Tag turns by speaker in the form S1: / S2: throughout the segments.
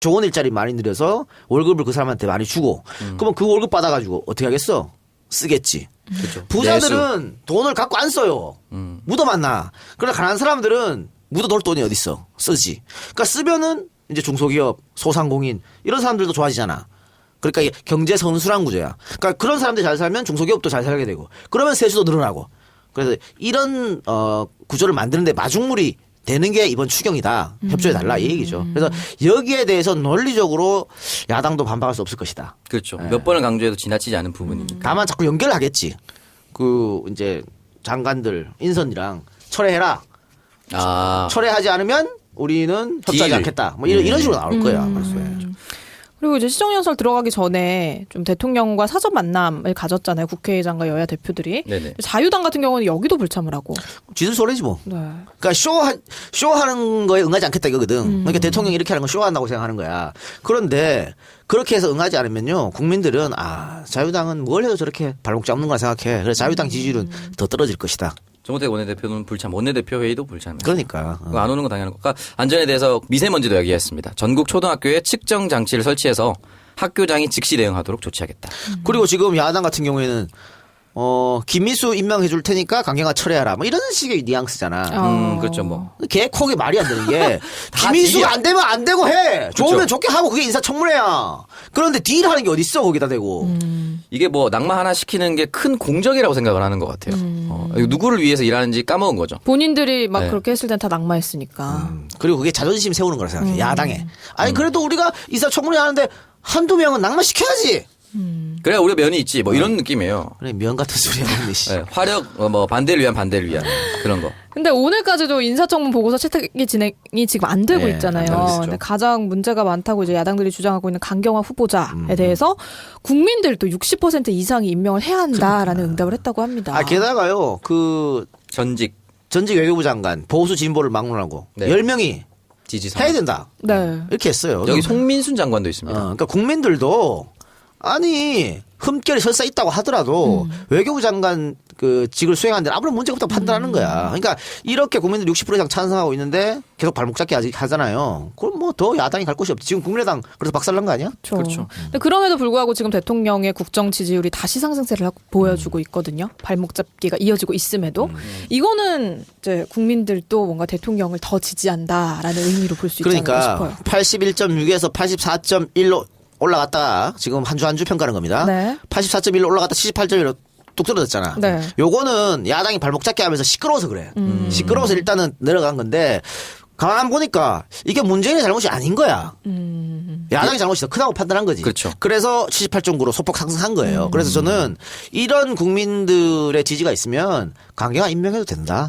S1: 좋은 일자리 많이 늘려서 월급을 그 사람한테 많이 주고 그러면 그 월급 받아가지고 어떻게 하겠어? 쓰겠지.
S2: 그렇죠.
S1: 부자들은 돈을 갖고 안 써요. 묻어만나. 그러나 가난한 사람들은 묻어놓을 돈이 어디 있어? 쓰지. 그러니까 쓰면은 이제 중소기업, 소상공인 이런 사람들도 좋아지잖아. 그러니까 이게 경제 선순환 구조야. 그러니까 그런 사람들이 잘 살면 중소기업도 잘 살게 되고 그러면 세수도 늘어나고. 그래서 이런 구조를 만드는데 마중물이 되는 게 이번 추경이다. 협조해달라 이 얘기죠. 그래서 여기에 대해서 논리적으로 야당도 반박할 수 없을 것이다.
S2: 그렇죠. 몇 번을 강조해도 지나치지 않은 부분이니까.
S1: 다만 자꾸 연결하겠지. 그 이제 장관들 인선이랑 철회해라. 철회하지 않으면 우리는 협조하지 않겠다. 뭐 이런 식으로 나올 거야.
S3: 그리고 이제 시정연설 들어가기 전에 좀 대통령과 사전 만남을 가졌잖아요. 국회의장과 여야 대표들이.
S2: 네네.
S3: 자유당 같은 경우는 여기도 불참을 하고.
S1: 지들 소리지 뭐.
S3: 네.
S1: 그러니까 쇼하는 거에 응하지 않겠다 이거거든. 그러니까 대통령이 이렇게 하는 건 쇼한다고 생각하는 거야. 그런데 그렇게 해서 응하지 않으면요. 국민들은 자유당은 뭘 해도 저렇게 발목 잡는 거라 생각해. 그래서 자유당 지지율은 더 떨어질 것이다.
S2: 정호택 원내대표는 불참, 원내대표 회의도 불참.
S1: 그러니까.
S2: 안 오는 건 당연한 것. 그러니까 안전에 대해서 미세먼지도 이야기했습니다. 전국 초등학교에 측정 장치를 설치해서 학교장이 즉시 대응하도록 조치하겠다.
S1: 그리고 지금 야당 같은 경우에는 김미수 임명해 줄 테니까 강경화 철회하라. 뭐 이런 식의 뉘앙스잖아.
S2: 그렇죠 뭐.
S1: 개코기 말이 안 되는 게 김미수가 안 되면 안 되고 해. 좋으면
S2: 그렇죠.
S1: 좋게 하고 그게 인사청문회야. 그런데 딜하는 게 어디 있어 거기다 대고.
S2: 이게 뭐 낙마 하나 시키는 게 큰 공적이라고 생각을 하는 것 같아요. 누구를 위해서 일하는지 까먹은 거죠.
S3: 본인들이 막
S2: 네.
S3: 그렇게 했을 땐 다 낙마했으니까.
S1: 그리고 그게 자존심 세우는 거라 생각해. 야당에. 아니 그래도 우리가 인사청문회 하는데 한두 명은 낙마시켜야지.
S2: 그래야 우리가 면이 있지 뭐 이런 느낌이에요.
S1: 그래 면 같은 소리 하는 듯이.
S2: 네, 화력 뭐 반대를 위한 그런 거.
S3: 근데 오늘까지도 인사청문 보고서 채택이 진행이 지금 안 되고
S1: 네,
S3: 있잖아요.
S1: 안 되고 있죠.
S3: 근데 가장 문제가 많다고 이제 야당들이 주장하고 있는 강경화 후보자에 대해서 국민들도 60% 이상이 임명을 해야 한다라는 응답을 했다고 합니다.
S1: 게다가요
S2: 전직
S1: 외교부 장관 보수 진보를 막론하고
S2: 네.
S1: 10명이
S2: 지지선
S1: 해야 된다.
S3: 네.
S1: 이렇게 했어요.
S2: 여기 송민순 장관도 있습니다.
S1: 그러니까 국민들도 아니 흠결이 설사 있다고 하더라도 외교부 장관 그 직을 수행하는데 아무런 문제가 없다고 판단하는 거야. 그러니까 이렇게 국민들 60% 이상 찬성하고 있는데 계속 발목 잡기 하잖아요. 그럼 뭐 더 야당이 갈 곳이 없지. 지금 국민의당 그래서 박살난 거 아니야?
S2: 그렇죠.
S3: 근데 그럼에도 불구하고 지금 대통령의 국정 지지율이 다시 상승세를 보여주고 있거든요. 발목 잡기가 이어지고 있음에도 이거는 이제 국민들도 뭔가 대통령을 더 지지한다라는 의미로 볼 수 있지 않을까 싶어요.
S1: 81.6에서 84.1로 올라갔다가 지금 한 주 평가하는 겁니다.
S3: 네.
S1: 84.1로 올라갔다 78.1로 뚝 떨어졌잖아.
S3: 네.
S1: 요거는 야당이 발목 잡기 하면서 시끄러워서 그래. 시끄러워서 일단은 내려간 건데 가만 보니까 이게 문재인의 잘못이 아닌 거야. 야당의 잘못이 더 크다고 판단한 거지.
S2: 그렇죠.
S1: 그래서 78.9로 소폭 상승한 거예요. 그래서 저는 이런 국민들의 지지가 있으면 강경화 임명해도 된다.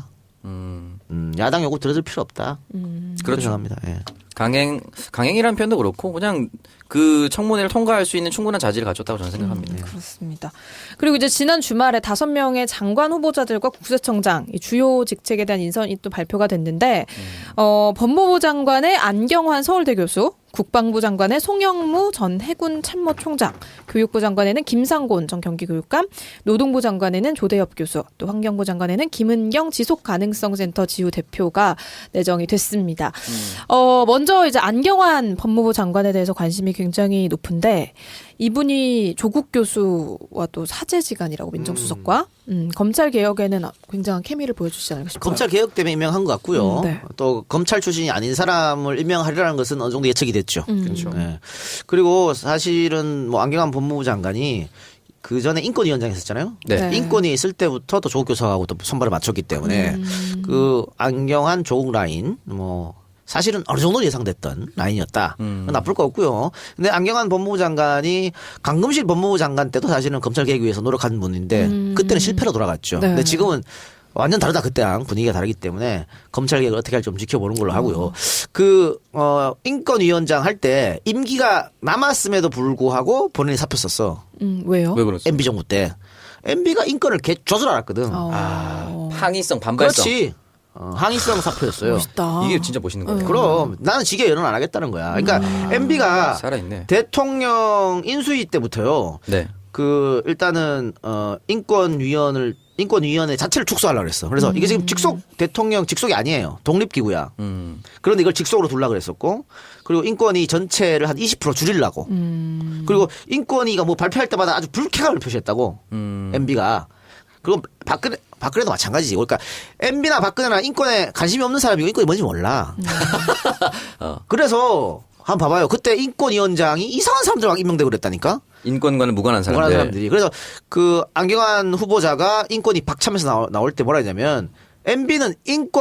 S1: 야당 요구 들어줄 필요 없다. 그렇게
S2: 그렇죠.
S1: 생각합니다. 예.
S2: 강행이라는 표현도 그렇고 그냥 그 청문회를 통과할 수 있는 충분한 자질을 갖췄다고 저는 생각합니다.
S3: 그렇습니다. 그리고 이제 지난 주말에 5명의 장관 후보자들과 국세청장 이 주요 직책에 대한 인선이 또 발표가 됐는데 법무부 장관의 안경환 서울대 교수, 국방부 장관의 송영무 전 해군 참모총장, 교육부 장관에는 김상곤 전 경기교육감, 노동부 장관에는 조대엽 교수, 또 환경부 장관에는 김은경 지속가능성센터 지우 대표가 내정이 됐습니다. 먼저 이제 안경환 법무부 장관에 대해서 관심이 굉장히 높은데 이분이 조국 교수와 또 사제지간이라고 민정수석과 검찰 개혁에는 굉장한 케미를 보여주시지 않을까 싶어요.
S1: 검찰 개혁 때문에 임명한 것 같고요.
S3: 네.
S1: 또 검찰 출신이 아닌 사람을 임명하리라는 것은 어느 정도 예측이 됐죠.
S2: 그렇죠.
S1: 네. 그리고 사실은 뭐 안경환 법무부 장관이 그 전에 인권위원장 했었잖아요.
S2: 네.
S1: 인권위 있을 때부터 또 조국 교수하고 또 손발을 맞췄기 때문에 그 안경환 조국 라인 뭐 사실은 어느 정도 예상됐던 라인이었다. 나쁠 거 없고요. 근데 안경환 법무부 장관이 강금실 법무부 장관 때도 사실은 검찰 개혁 위해서 노력한 분인데 그때는 실패로 돌아갔죠.
S3: 네.
S1: 근데 지금은 완전 다르다. 그때랑 분위기가 다르기 때문에 검찰 개혁을 어떻게 할지 좀 지켜보는 걸로 하고요. 인권위원장 할 때 임기가 남았음에도 불구하고 본인이 사표 썼어.
S3: 왜요?
S2: 왜 그렇죠?
S1: MB 정부 때. MB가 인권을 조절 알았거든.
S2: 항의성, 반발성.
S1: 그렇지. 항의성 사표였어요.
S3: 멋있다.
S2: 이게 진짜 멋있는 거예요.
S1: 그럼 나는 직계 연원 안 하겠다는 거야. 그러니까 MB가
S2: 살아있네.
S1: 대통령 인수위 때부터요.
S2: 네.
S1: 일단은 인권위원을 인권위원회 자체를 축소하려고 그랬어. 그래서 이게 지금 직속 대통령 직속이 아니에요. 독립기구야. 그런데 이걸 직속으로 두려고 그랬었고 그리고 인권위 전체를 한 20% 줄이려고. 그리고 인권위가 뭐 발표할 때마다 아주 불쾌감을 표시했다고. MB가. 그리고 박근혜도 마찬가지지. 그러니까 MB나 박근혜나 인권에 관심이 없는 사람이고 인권이 뭔지 몰라. 그래서 한번 봐봐요. 그때 인권위원장이 이상한 사람들 막 임명되고 그랬다니까.
S2: 인권과는 무관한 사람들.
S1: 무관한 사람들이. 그래서 그 안경환 후보자가 인권위 박참에서 나올 때 뭐라 했냐면 MB는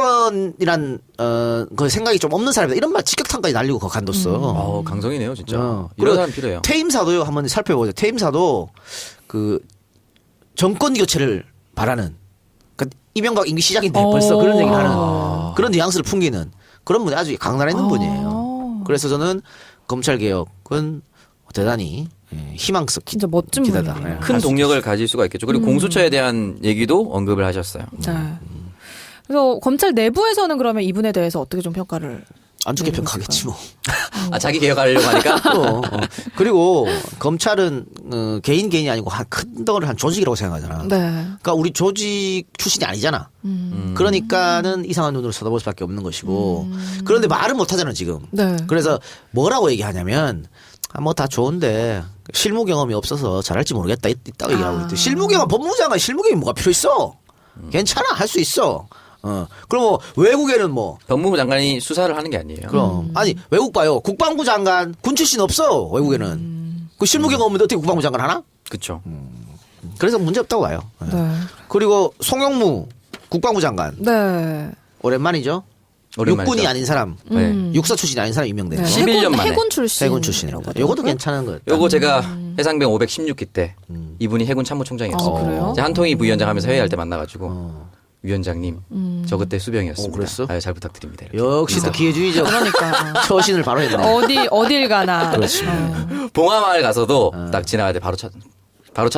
S1: 인권이란 그 생각이 좀 없는 사람이다. 이런 말 직격탄까지 날리고 거 간뒀어.
S2: 강성이네요, 진짜. 이런
S1: 그리고
S2: 사람 필요해요.
S1: 퇴임사도요. 한번 살펴보죠. 퇴임사도 그 정권 교체를 바라는 그러니까 이명박 임기 시작인데 벌써 그런 얘기를 하는 그런 뉘앙스를 풍기는 그런 분이 아주 강단에 있는 분이에요. 그래서 저는 검찰 개혁은 대단히 희망스럽
S3: 진짜 멋진
S1: 기대다.
S3: 분이네요.
S2: 큰 동력을 가질 수가 있겠죠. 그리고 공수처에 대한 얘기도 언급을 하셨어요.
S3: 네. 그래서 검찰 내부에서는 그러면 이분에 대해서 어떻게 좀 평가를
S1: 안 좋게 평가하겠지 뭐.
S2: 자기 개혁하려고 하니까.
S1: 그리고 검찰은 개인이 아니고 큰 덩어리 한 조직이라고 생각하잖아.
S3: 네.
S1: 그러니까 우리 조직 출신이 아니잖아. 그러니까는 이상한 눈으로 쳐다볼 수밖에 없는 것이고. 그런데 말은 못하잖아 지금.
S3: 네.
S1: 그래서 뭐라고 얘기하냐면 뭐 다 좋은데 실무 경험이 없어서 잘할지 모르겠다 있다고 얘기하고 있대. 실무 경험 법무장관 실무 경험이 뭐가 필요 있어? 괜찮아 할 수 있어. 그럼 뭐 외국에는 뭐
S2: 법무부 장관이 수사를 하는 게 아니에요.
S1: 그럼 아니 외국 봐요. 국방부 장관 군 출신 없어 외국에는. 그 실무 경험 없는데 어떻게 국방부 장관 하나?
S2: 그렇죠.
S1: 그래서 문제 없다고 봐요.
S3: 네.
S1: 그리고 송영무 국방부 장관
S3: 네.
S1: 오랜만이죠.
S2: 오랜만이죠.
S1: 육군이 아닌 사람, 육사 출신이 아닌 사람 임명돼요.
S3: 네.
S2: 11년 만에.
S3: 해군 출신.
S1: 해군 출신이라고. 요것도 괜찮은 거예요.
S2: 요거 제가 해상병 516기 때 이분이 해군 참모총장이었어요.
S3: 그래요?
S2: 제가 한통위 부위원장 하면서 회의할 때 만나가지고 위원장님 저 그때 수병이었습니다.
S1: 그랬어?
S2: 아유, 잘 부탁드립니다. 이렇게.
S1: 역시 또 기회주의적
S3: 그러니까.
S1: 처신을 바로 했네.
S3: 어딜 가나.
S2: 봉화마을 가서도 딱 지나갈 때 바로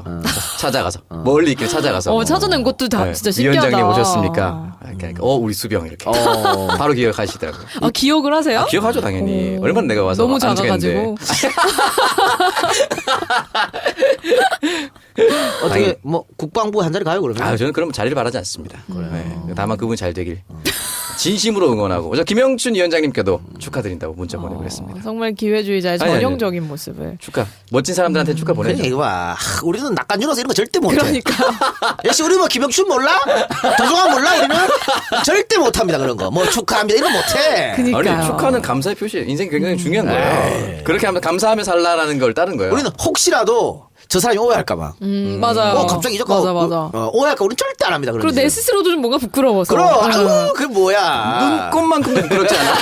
S2: 찾아가서 멀리 있길 찾아가서
S3: 찾아낸 것도 다
S2: 네,
S3: 진짜 신기하다.
S2: 위원장님 오셨습니까? 이렇게 우리 수병 이렇게 바로 기억하시더라고요.
S3: 기억을 하세요?
S2: 기억하죠 당연히. 얼마나 내가 와서
S3: 너무
S2: 안주했는데.
S3: 작아가지고.
S1: 어떻게 뭐 국방부 한 자리 가요 그러면?
S2: 저는 그럼 자리를 바라지 않습니다. 네, 다만 그분이 잘 되길 진심으로 응원하고 저 김영춘 위원장님께도 축하드린다고 문자 보내고 그랬습니다.
S3: 정말 기회주의자의
S2: 아니, 아니.
S3: 전형적인 모습을.
S2: 축하. 멋진 사람들한테 축하
S1: 그래
S2: 보내죠.
S1: 이거 봐. 우리는 낙관유로서 이런 거 절대 못해.
S3: 그러니까.
S1: 역시 우리 뭐 김영춘 몰라? 도종환 몰라? 우리는 절대 못합니다 그런 거. 뭐 축하합니다 이런 거 못해.
S3: 그러니까요.
S2: 아니 축하는 감사의 표시. 인생이 굉장히 중요한 거예요. 그렇게 하면 감사하며 살라라는 걸 따른 거예요.
S1: 우리는 혹시라도 저 사람이 오해할까봐.
S3: 맞아요.
S1: 갑자기 이적하고
S3: 맞아.
S1: 오해할까 우리는 절대 안 합니다. 그런
S3: 그리고 내
S1: 짓을.
S3: 스스로도 좀 뭔가 부끄러워서.
S1: 그럼 아유 그게 뭐야.
S2: 눈꽃만큼도 부끄럽지 않아.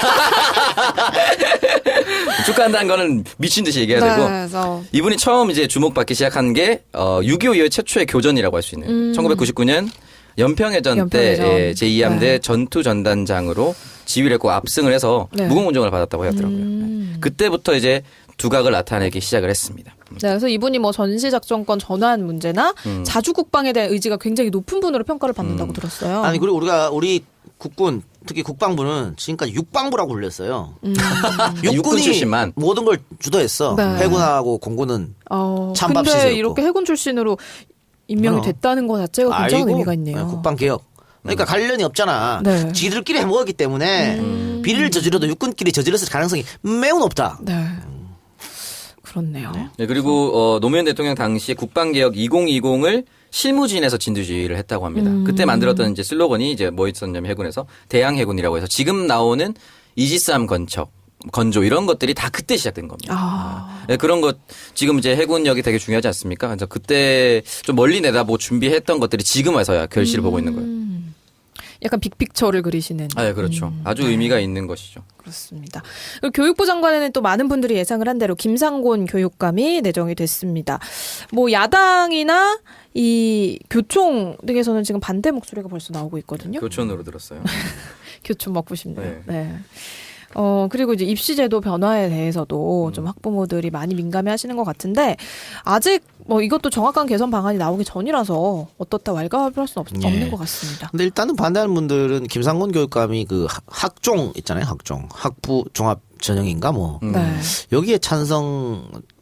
S2: 축하한다는 거는 미친 듯이 얘기해야 되고.
S3: 그래서
S2: 이분이 처음 이제 주목받기 시작한 게 6.25 이후 최초의 교전이라고 할 수 있는 1999년 연평해전 때
S3: 연평해전.
S2: 제2함대
S3: 네.
S2: 전투전단장으로 지휘를 했고 압승을 해서
S3: 네.
S2: 무공훈장을 받았다고 하더라고요. 그때부터 이제 두각을 나타내기 시작을 했습니다.
S3: 네, 그래서 이분이 뭐 전시작전권 전환 문제나 자주국방에 대한 의지가 굉장히 높은 분으로 평가를 받는다고 들었어요.
S1: 아니 그리고 우리 국군 특히 국방부는 지금까지 육방부라고 불렸어요.
S2: 육군 출신만.
S1: 모든 걸 주도했어.
S3: 네.
S1: 해군하고 공군은 찬밥
S3: 근데
S1: 시세였고.
S3: 이렇게 해군 출신으로 임명이 됐다는 것 자체가 굉장한
S1: 아이고,
S3: 의미가 있네요.
S1: 국방 개혁. 그러니까 관련이 없잖아.
S3: 네.
S1: 지들끼리 해먹었기 때문에 비리를 저지러도 육군끼리 저질렀을 가능성이 매우 높다.
S3: 네. 그렇네요.
S2: 네, 그리고 노무현 대통령 당시 국방개혁 2020을 실무진에서 진두지휘를 했다고 합니다. 그때 만들었던 이제 슬로건이 이제 뭐 있었냐면 해군에서 대양해군이라고 해서 지금 나오는 이지스함 건조 이런 것들이 다 그때 시작된 겁니다. 네, 그런 것 지금 이제 해군력이 되게 중요하지 않습니까? 그래서 그때 좀 멀리 내다보고 준비했던 것들이 지금 와서야 결실을 보고 있는 거예요.
S3: 약간 빅픽처를 그리시는.
S2: 아, 그렇죠. 아주 의미가 있는 것이죠.
S3: 그렇습니다. 그리고 교육부 장관에는 또 많은 분들이 예상을 한 대로 김상곤 교육감이 내정이 됐습니다. 뭐 야당이나 이 교총 등에서는 지금 반대 목소리가 벌써 나오고 있거든요.
S2: 교촌으로 들었어요.
S3: 교총 먹고 싶네요.
S2: 네.
S3: 네. 그리고 이제 입시제도 변화에 대해서도 좀 학부모들이 많이 민감해 하시는 것 같은데, 아직 뭐 이것도 정확한 개선 방안이 나오기 전이라서 어떻다 왈가왈부할 수는 없는 것 같습니다.
S1: 근데 일단은 반대하는 분들은 김상곤 교육감이 그 학종 있잖아요. 학종. 학부 종합 전형인가 뭐.
S3: 네.
S1: 여기에 찬성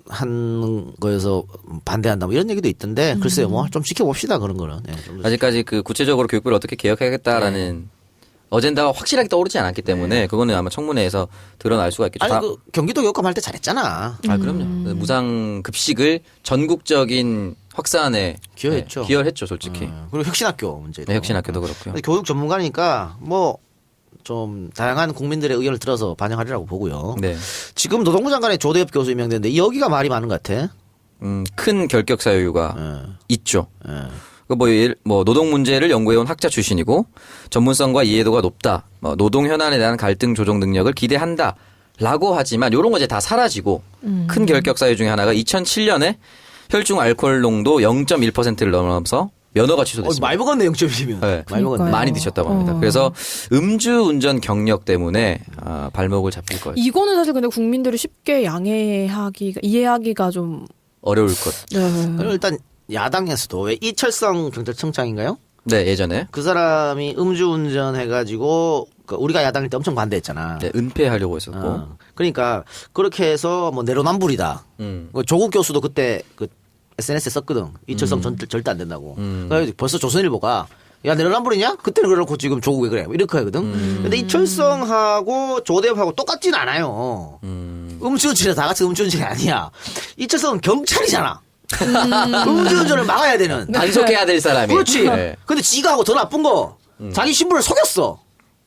S1: 한 거여서 반대한다 뭐 이런 얘기도 있던데 글쎄요 뭐 좀 지켜봅시다 그런 거는. 네, 좀 더.
S2: 아직까지 그 구체적으로 교육부를 어떻게 개혁하겠다라는 어젠다가 확실하게 떠오르지 않았기 때문에 그거는 아마 청문회에서 드러날 수가 있겠죠.
S1: 아니 그 경기도 교육감 할 때 잘했잖아.
S2: 아 그럼요. 무상 급식을 전국적인 확산에
S1: 기여했죠.
S2: 네, 기여했죠, 솔직히.
S1: 그리고 혁신학교 문제도.
S2: 네, 혁신학교도 그렇고요.
S1: 근데 교육 전문가니까 뭐 좀 다양한 국민들의 의견을 들어서 반영하리라고 보고요.
S2: 네.
S1: 지금 노동부 장관의 조대엽 교수 임명됐는데 여기가 말이 많은 것 같아.
S2: 큰 결격 사유가
S1: 예.
S2: 있죠.
S1: 예.
S2: 뭐 노동 문제를 연구해온 학자 출신이고 전문성과 이해도가 높다. 뭐 노동 현안에 대한 갈등 조정 능력을 기대한다라고 하지만 이런 거 이제 다 사라지고 큰 결격 사유 중에 하나가 2007년에 혈중 알코올 농도 0.1%를 넘어서 면허가 취소됐습니다.
S1: 많이 먹었네 0.1이면.
S2: 네.
S1: 많이 먹었네.
S2: 많이 드셨다고 합니다. 그래서 음주운전 경력 때문에 발목을 잡힐 거예요.
S3: 이거는 사실 근데 국민들이 쉽게 이해하기가 좀
S2: 어려울 것.
S1: 그리고 일단 야당에서도 왜 이철성 경찰청장인가요?
S2: 네, 예전에
S1: 그 사람이 음주운전 해가지고 우리가 야당일 때 엄청 반대했잖아.
S2: 네, 은폐하려고 했었고.
S1: 그러니까 그렇게 해서 뭐 내로남불이다. 조국 교수도 그때 그 SNS에 썼거든. 이철성 절대 안 된다고. 그러니까 벌써 조선일보가 야 내로남불이냐? 그때는 그렇고 지금 조국 왜 그래? 이렇게 하거든. 근데 이철성하고 조대엽하고 똑같진 않아요. 음주운전이 다 같이 음주운전이 아니야. 이철성은 경찰이잖아. 음주운전을 막아야 되는.
S2: 단속해야 될 사람이.
S1: 그렇지.
S2: 네.
S1: 근데 지가 하고 더 나쁜 거 자기 신분을 속였어.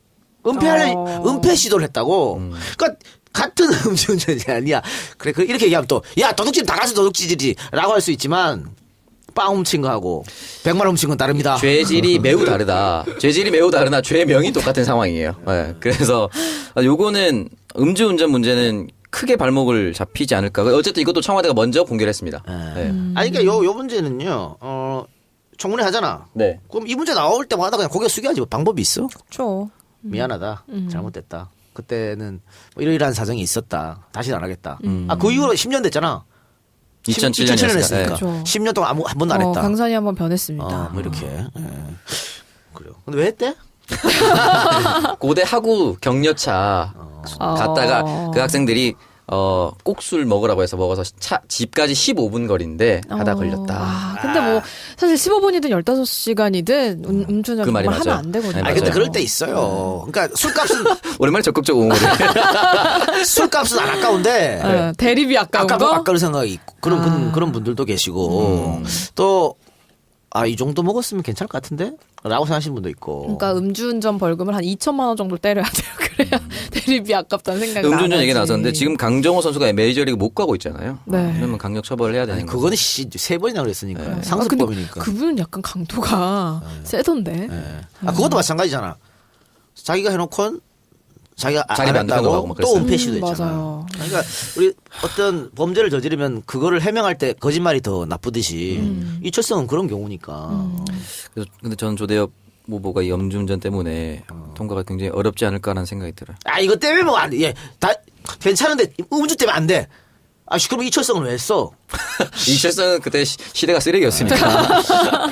S1: 은폐 시도를 했다고. 그러니까 같은 음주운전이 아니야. 그래 이렇게 얘기하면 또 야 도둑질 다 같이 도둑질이지라고 할 수 있지만 빵 훔친 거하고 100만 원 훔친 건 다릅니다.
S2: 죄질이 매우 다르다. 죄질이 매우 다르나 죄명이 똑같은 상황이에요. 네. 그래서 요거는 음주운전 문제는 크게 발목을 잡히지 않을까. 어쨌든 이것도 청와대가 먼저 공개를 했습니다. 네.
S1: 아니 그러니까 요 문제는요. 청문회 하잖아.
S2: 네.
S1: 그럼 이 문제 나올 때마다 그냥 고개 숙여야지 뭐 방법이 있어?
S3: 그렇죠.
S1: 미안하다. 잘못됐다. 그때는 뭐 이러이러한 사정이 있었다. 다시는 안 하겠다. 그 이후로 10년 됐잖아.
S2: 2007년
S1: 2007년
S2: 네.
S1: 했으니까.
S3: 그렇죠.
S1: 10년 동안 한 번도 안 했다.
S3: 강산이 한번 변했습니다.
S1: 뭐 이렇게. 그래요. 근데 왜 했대?
S2: 고대 하구 격려차 갔다가 그 학생들이 꼭술 먹으라고 해서 먹어서 집까지 15분 거리인데 하다 걸렸다.
S3: 근데 뭐 사실 15분이든 15시간이든 음주는
S2: 그 말이
S3: 정말 하면
S2: 맞아요.
S3: 안 되거든요.
S2: 네,
S1: 아니 근데
S2: 맞아요.
S1: 그럴 때 있어요. 그러니까
S2: 오랜만에 적극적 옹호를.
S1: 술값은 안 아까운데
S3: 대립이 아까운 거?
S1: 아까울 생각이 있고 그런 분들도 계시고 또 이 정도 먹었으면 괜찮을 것 같은데? 라고 생각하시는 분도 있고.
S3: 그러니까 음주운전 벌금을 한 2천만 원 정도 때려야 돼요. 그래야 대립이 아깝다는 생각이
S2: 음주운전 얘기
S3: 나지.
S2: 나왔었는데 지금 강정호 선수가 메이저리그 못 가고 있잖아요.
S3: 네.
S2: 그러면 강력 처벌을 해야 되는 거죠.
S1: 그거는 3번이나 그랬으니까.
S3: 근데
S1: 상습범이니까.
S3: 그분은 약간 강도가 세던데.
S1: 그것도 마찬가지잖아. 자기가 해놓고 자기가
S2: 자기
S1: 안
S2: 만드는 거 하고
S1: 했다고
S2: 막
S1: 또
S2: 그랬어요.
S1: 은폐 시도했잖아.
S3: 맞아요.
S1: 그러니까 우리 어떤 범죄를 저지르면 그거를 해명할 때 거짓말이 더 나쁘듯이 이철성은 그런 경우니까.
S2: 그래서 근데 저는 조대엽 후보가 이 음주운전 때문에 통과가 굉장히 어렵지 않을까라는 생각이 들어요.
S1: 이거 때문에 뭐 안 돼. 예, 다 괜찮은데 음주 때문에 안 돼. 그럼 이철성은 왜 했어?
S2: 이철성은 그때 시대가 쓰레기였으니까.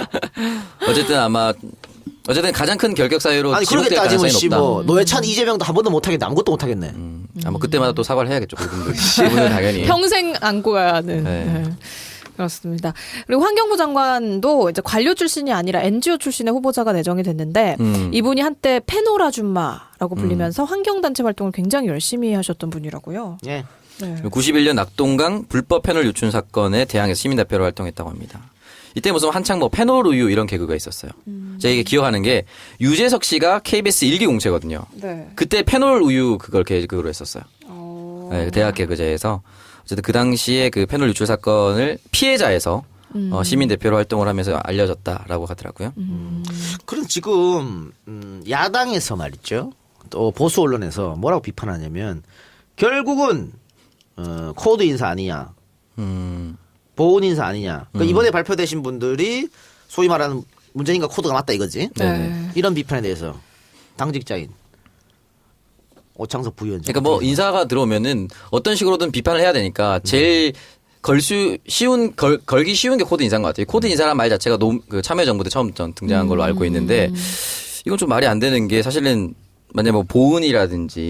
S2: 어쨌든 가장 큰 결격 사유로
S1: 그렇게
S2: 지목될
S1: 따지면
S2: 가능성이 높다.
S1: 뭐 노회찬 이재명도 한 번도 못하겠네. 아무것도 못하겠네.
S2: 아마 그때마다 또 사과를 해야겠죠. 그분은 당연히.
S3: 평생 안고 가야 하는.
S2: 네.
S3: 네. 그렇습니다. 그리고 환경부 장관도 이제 관료 출신이 아니라 NGO 출신의 후보자가 내정이 됐는데 이분이 한때 페놀 아줌마라고 불리면서 환경단체 활동을 굉장히 열심히 하셨던 분이라고요.
S1: 예.
S3: 네.
S2: 91년 낙동강 불법 페놀 유출 사건에 대항해서 시민대표로 활동했다고 합니다. 이때 무슨 한창 뭐 페놀 우유 이런 개그가 있었어요. 제가 이게 기억하는 게 유재석 씨가 KBS 일기 공채거든요.
S3: 네.
S2: 그때 페놀 우유 그걸 개그로 했었어요. 네, 대학 개그제에서 어쨌든 그 당시에 그 페놀 유출 사건을 피해자에서 시민 대표로 활동을 하면서 알려졌다라고 하더라고요.
S1: 그럼 지금 야당에서 말이죠. 또 보수 언론에서 뭐라고 비판하냐면 결국은 코드 인사 아니냐, 보훈 인사 아니냐. 그러니까 이번에 발표되신 분들이 소위 말하는 문재인과 코드가 맞다 이거지.
S3: 네.
S1: 이런 비판에 대해서 당직자인 오창석 부위원장.
S2: 그러니까 뭐 인사가 들어오면은 어떤 식으로든 비판을 해야 되니까 제일 걸기 쉬운 게 코드 인사인 것 같아요. 코드 인사라는 말 자체가 그 참여정부 때 처음 등장한 걸로 알고 있는데 이건 좀 말이 안 되는 게 사실은 만약 뭐 보은이라든지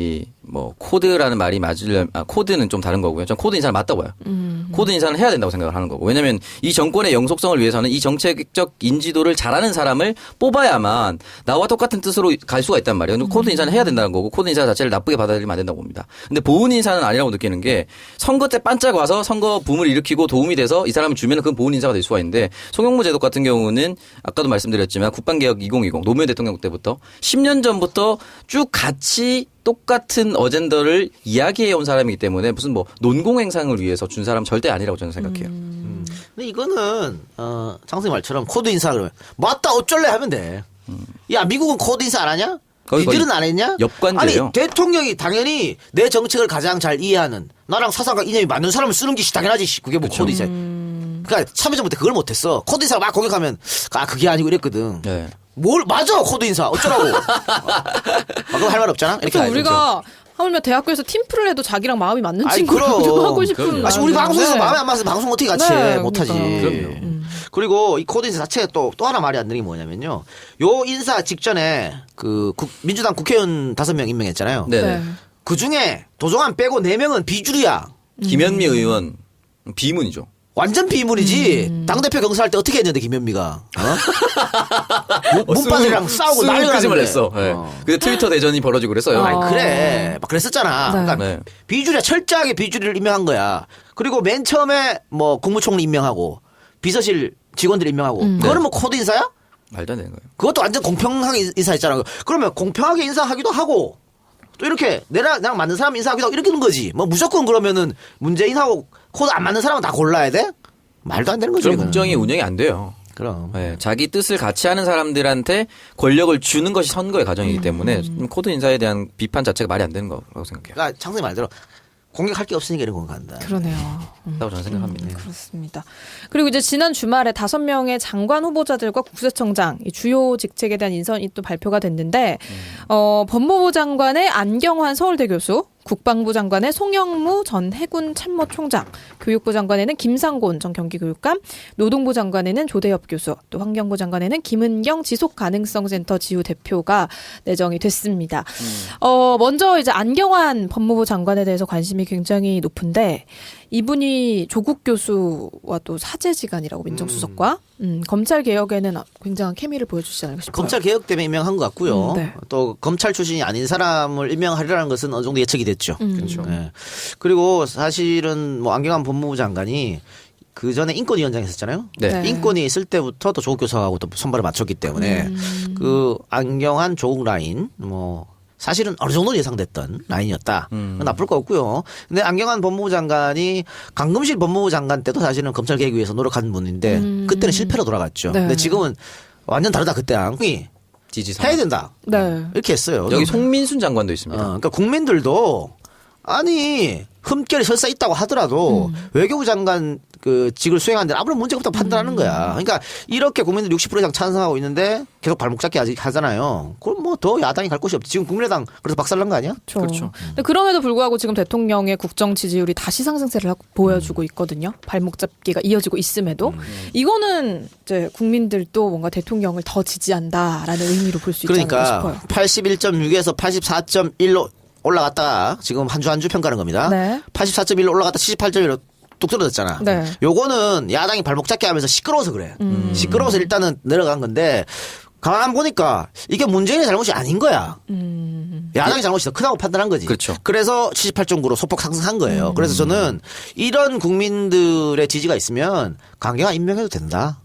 S2: 뭐 코드라는 말이 코드는 좀 다른 거고요. 전 코드 인사는 맞다고 봐요. 코드 인사는 해야 된다고 생각을 하는 거고. 왜냐하면 이 정권의 영속성을 위해서는 이 정책적 인지도를 잘하는 사람을 뽑아야만 나와 똑같은 뜻으로 갈 수가 있단 말이에요. 코드 인사는 해야 된다는 거고 코드 인사 자체를 나쁘게 받아들이면 안 된다고 봅니다. 근데 보훈 인사는 아니라고 느끼는 게 선거 때 반짝 와서 선거 붐을 일으키고 도움이 돼서 이 사람을 주면 그건 보훈 인사가 될 수가 있는데 송영무 제독 같은 경우는 아까도 말씀드렸지만 국방개혁 2020 노무현 대통령 때부터 10년 전부터 쭉 같이 똑같은 어젠더를 이야기해 온 사람이기 때문에 무슨 뭐 논공행상을 위해서 준 사람 절대 아니라고 저는 생각해요.
S1: 근데 이거는 장승희 말처럼 코드 인사 그러면 맞다 어쩔래 하면 돼. 야 미국은 코드 인사 안 하냐?
S2: 거의
S1: 니들은 안 했냐?
S2: 역관제예요.
S1: 아니 대통령이 당연히 내 정책을 가장 잘 이해하는 나랑 사상과 이념이 맞는 사람을 쓰는 게 당연하지. 그게 뭐 코드 인사. 그러니까 참여정부 때 그걸 못했어. 코드 인사 막 공격하면 그게 아니고 이랬거든.
S2: 네.
S1: 뭘 맞아 코드 인사 어쩌라고. 그럼 할 말 없잖아. 이렇게
S3: 그래서
S1: 가야죠.
S3: 우리가 하물며 대학교에서 팀플을 해도 자기랑 마음이 맞는
S1: 아이,
S3: 친구랑
S1: 그럼.
S3: 하고 싶은
S2: 그럼요.
S1: 우리
S3: 마음이
S1: 방송에서
S3: 있는데.
S1: 마음에 안 맞아서 방송 어떻게 같이
S3: 네,
S1: 해. 못하지.
S3: 그러니까.
S2: 그럼요.
S1: 그리고 이 코드 인사 자체가 또 하나 말이 안 되는 게 뭐냐면요. 요 인사 직전에 민주당 국회의원 5명 임명했잖아요.
S2: 네.
S3: 네.
S1: 그 중에 도종환 빼고 4명은 비주류야.
S2: 김현미 의원 비문이죠.
S1: 완전 비문이지. 당대표 경선할 때 어떻게 했는데 김현미가. 문바들이랑 싸우고 난리가
S2: 끄집을
S1: 났는데.
S2: 냈어. 네. 근데 트위터 대전이 벌어지고 그랬어요.
S1: 아니 그래 막 그랬었잖아.
S3: 네.
S1: 그러니까
S2: 네.
S1: 비주류 철저하게 비주류를 임명한 거야. 그리고 맨 처음에 뭐 국무총리 임명하고 비서실 직원들 임명하고 그거는
S2: 네.
S1: 뭐 코드 인사야?
S2: 말도 안 되는 거예요.
S1: 그것도 완전 공평하게 인사했잖아. 그러면 공평하게 인사하기도 하고 또 이렇게 나랑 맞는 사람 인사하기도 하고 이렇게 되는 거지. 뭐 무조건 그러면은 문재인하고 코드 안 맞는 사람은 다 골라야 돼? 말도 안 되는 거지.
S2: 그런
S1: 이거는.
S2: 국정이 운영이 안 돼요.
S1: 그럼.
S2: 네, 자기 뜻을 같이 하는 사람들한테 권력을 주는 것이 선거의 과정이기 때문에 코드 인사에 대한 비판 자체가 말이 안 되는 거라고 생각해요.
S1: 그러니까 창선이 말대로 공격할 게 없으니까 이런 건 간다.
S3: 그러네요.
S2: 라고 저는 생각합니다.
S3: 그렇습니다. 그리고 이제 지난 주말에 5명의 장관 후보자들과 국세청장 이 주요 직책에 대한 인선이 또 발표가 됐는데 법무부 장관의 안경환 서울대 교수, 국방부 장관의 송영무 전 해군 참모총장, 교육부 장관에는 김상곤 전 경기교육감, 노동부 장관에는 조대엽 교수, 또 환경부 장관에는 김은경 지속가능성센터 지우 대표가 내정이 됐습니다. 먼저 이제 안경환 법무부 장관에 대해서 관심이 굉장히 높은데 이분이 조국 교수와 또 사제지간이라고 민정수석과 검찰 개혁에는 굉장한 케미를 보여주시지 않을까 싶어요.
S1: 검찰 개혁 때문에 임명한 것 같고요.
S3: 네.
S1: 또 검찰 출신이 아닌 사람을 임명하리라는 것은 어느 정도 예측이 됐죠.
S2: 그렇죠.
S1: 네. 그리고 사실은 뭐 안경환 법무부 장관이 그 전에 인권위원장 했었잖아요.
S2: 네.
S3: 네.
S1: 인권위 있을 때부터 또 조국 교수하고 또 선발을 맞췄기 때문에 그 안경환 조국 라인 뭐 사실은 어느 정도 예상됐던 라인이었다. 나쁠 거 없고요. 근데 안경환 법무부 장관이 강금실 법무부 장관 때도 사실은 검찰 개혁 위해서 노력한 분인데 그때는 실패로 돌아갔죠.
S3: 네.
S1: 근데 지금은 완전 다르다. 그때랑
S2: 지지상.
S1: 해야 된다.
S3: 네.
S1: 이렇게 했어요.
S2: 여기 송민순 장관도 있습니다.
S1: 그러니까 국민들도 아니 흠결이 설사 있다고 하더라도 외교부 장관 그 직을 수행하는데 아무런 문제가 없다고 판단하는 거야. 그러니까 이렇게 국민들 60% 이상 찬성하고 있는데 계속 발목 잡기 아직 하잖아요. 그럼 뭐 더 야당이 갈 곳이 없지. 지금 국민의당 그래서 박살난 거 아니야?
S2: 그렇죠.
S3: 근데 그럼에도 불구하고 지금 대통령의 국정 지지율이 다시 상승세를 보여주고 있거든요. 발목 잡기가 이어지고 있음에도 이거는 이제 국민들도 뭔가 대통령을 더 지지한다라는 의미로 볼 수 있지 않을까
S1: 그러니까
S3: 싶어요.
S1: 81.6에서 84.1로 올라갔다가 지금 한 주 평가하는 겁니다.
S3: 네.
S1: 84.1로 올라갔다 78.1로 뚝 떨어졌잖아.
S3: 네.
S1: 요거는 야당이 발목 잡게 하면서 시끄러워서 그래. 시끄러워서 일단은 내려간 건데 가만 보니까 이게 문재인의 잘못이 아닌 거야. 야당의 잘못이 더 크다고 판단한 거지.
S2: 그렇죠.
S1: 그래서 78.9로 소폭 상승한 거예요. 그래서 저는 이런 국민들의 지지가 있으면 강경화 임명해도 된다.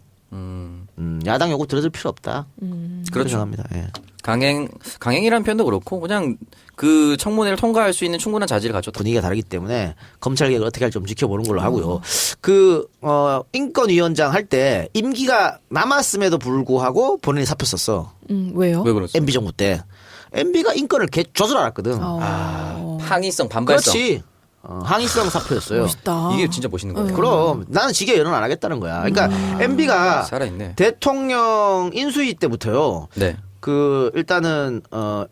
S1: 야당 요구 들어줄 필요 없다. 그렇게 생각합니다. 예.
S2: 강행이라는 표현도 그렇고 그냥 그 청문회를 통과할 수 있는 충분한 자질을 갖췄다.
S1: 분위기가 다르기 때문에 검찰 개혁을 어떻게 할지 좀 지켜보는 걸로 하고요. 인권위원장 할 때 임기가 남았음에도 불구하고 본인이 사표 썼어.
S3: 왜요?
S2: 왜 그렇죠?
S1: MB 정부 때. MB가 인권을 줘줄 알았거든.
S2: 항의성, 반발성.
S1: 그렇지. 항의성 사표였어요.
S3: 멋있다.
S2: 이게 진짜 멋있는 거예요.
S1: 그럼 나는 지게 연원 안 하겠다는 거야. 그러니까 MB가
S2: 살아있네.
S1: 대통령 인수위 때부터요.
S2: 네.
S1: 일단은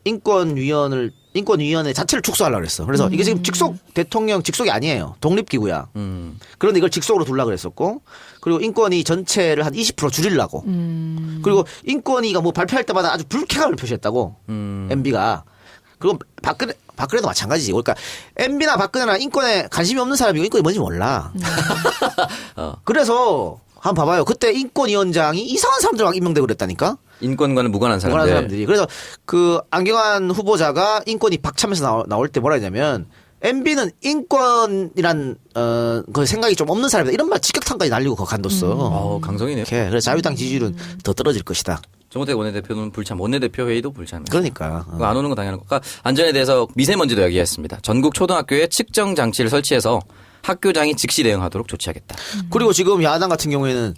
S1: 인권위원회 자체를 축소하려고 그랬어. 그래서 이게 지금 대통령 직속이 아니에요. 독립기구야. 그런데 이걸 직속으로 두려고 그랬었고, 그리고 인권위 전체를 한 20% 줄이려고. 그리고 인권위가 뭐 발표할 때마다 아주 불쾌감을 표시했다고. MB가. 그리고 박근혜도 마찬가지지. 그러니까 MB나 박근혜나 인권에 관심이 없는 사람이고 인권이 뭔지 몰라. 그래서 한번 봐봐요. 그때 인권위원장이 이상한 사람들 막 임명되고 그랬다니까.
S2: 인권과는 무관한
S1: 무관한
S2: 사람들.
S1: 사람들이. 그래서 그 안경환 후보자가 인권이 박차면서 나올 때 뭐라 했냐면 MB는 인권이란 그 생각이 좀 없는 사람이다. 이런 말 직격탄까지 날리고 그거 간뒀어.
S2: 강성이네요.
S1: 이렇게. 그래서 자유당 지지율은 더 떨어질 것이다.
S2: 정호택 원내대표는 불참, 원내대표 회의도 불참.
S1: 그러니까.
S2: 그거 안 오는 건 당연한 거니까. 안전에 대해서 미세먼지도 얘기했습니다. 전국 초등학교에 측정 장치를 설치해서 학교장이 즉시 대응하도록 조치하겠다.
S1: 그리고 지금 야당 같은 경우에는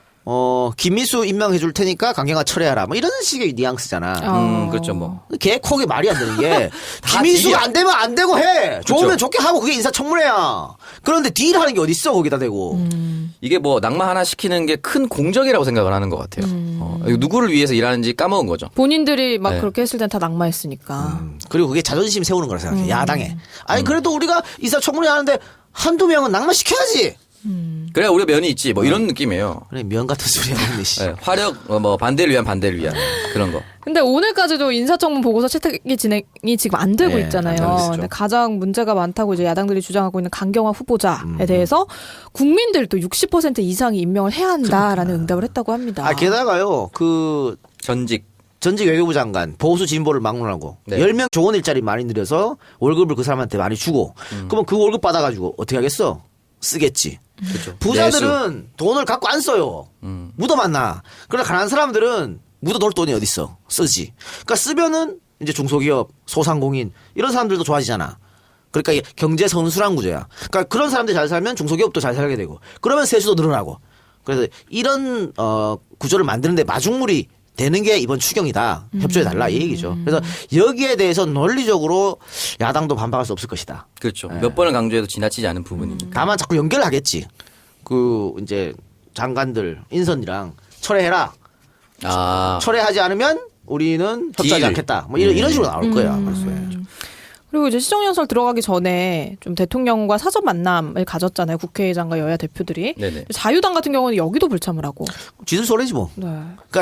S1: 김미수 임명해 줄 테니까 강경화 철회하라. 뭐 이런 식의 뉘앙스잖아.
S2: 그렇죠, 뭐.
S1: 개코게 말이 안 되는 게
S2: 다
S1: 김미수가
S2: 딜이야.
S1: 안 되면 안 되고 해. 좋으면
S2: 그렇죠.
S1: 좋게 하고 그게 인사청문회야. 그런데 딜하는 게 어딨어 거기다 대고.
S2: 이게 뭐 낙마 하나 시키는 게 큰 공적이라고 생각을 하는 것 같아요. 이거 누구를 위해서 일하는지 까먹은 거죠.
S3: 본인들이 막
S2: 네.
S3: 그렇게 했을 땐 다 낙마했으니까.
S1: 그리고 그게 자존심 세우는 거라 생각해. 야당에. 아니 그래도 우리가 인사청문회 하는데 한두 명은 낙마시켜야지.
S2: 그래야 우리가 면이 있지. 뭐 이런 느낌이에요.
S1: 그래 면 같은 소리 하는 씨.
S2: 네, 화력, 뭐 반대를 위한 반대를 위한 그런 거.
S3: 근데 오늘까지도 인사청문 보고서 채택이 진행이 지금 안 되고
S1: 네,
S3: 있잖아요.
S1: 안 되고 있죠.
S3: 근데 가장 문제가 많다고 이제 야당들이 주장하고 있는 강경화 후보자에 대해서 국민들도 60% 이상이 임명을 해야 한다라는 응답을 했다고 합니다.
S1: 아 게다가요 그
S2: 전직.
S1: 전직 외교부 장관 보수 진보를 막론하고
S2: 네.
S1: 10명 좋은 일자리 많이 늘려서 월급을 그 사람한테 많이 주고 그러면 그 월급 받아가지고 어떻게 하겠어? 쓰겠지.
S2: 그렇죠.
S1: 부자들은 돈을 갖고 안 써요. 묻어만 나. 그러나 가난한 사람들은 묻어놓을 돈이 어딨어. 쓰지. 그러니까 쓰면은 이제 중소기업, 소상공인 이런 사람들도 좋아지잖아. 그러니까 이게 경제 선순환 구조야. 그러니까 그런 사람들이 잘 살면 중소기업도 잘 살게 되고 그러면 세수도 늘어나고. 그래서 이런 구조를 만드는데 마중물이 되는 게 이번 추경이다. 협조해달라 이 얘기죠. 그래서 여기에 대해서 논리적으로 야당도 반박할 수 없을 것이다.
S2: 그렇죠. 몇 번을 강조해도 지나치지 않은 부분이니까.
S1: 다만 자꾸 연결하겠지. 그 이제 장관들 인선이랑 철회해라.
S2: 아.
S1: 철회하지 않으면 우리는 협조하지
S2: 딜.
S1: 않겠다. 뭐 이런 식으로 나올 거야. 벌써.
S3: 그리고 이제 시정연설 들어가기 전에 좀 대통령과 사전 만남을 가졌잖아요. 국회의장과 여야 대표들이.
S2: 네네.
S3: 자유당 같은 경우는 여기도 불참을 하고.
S1: 지들 소리지 뭐.
S3: 네.
S1: 그러니까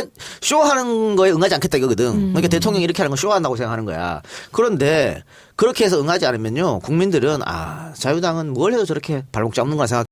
S1: 쇼하는 거에 응하지 않겠다 이거거든. 그러니까 대통령이 이렇게 하는 건 쇼한다고 생각하는 거야. 그런데 그렇게 해서 응하지 않으면요. 국민들은 자유당은 뭘 해도 저렇게 발목 잡는 거라 생각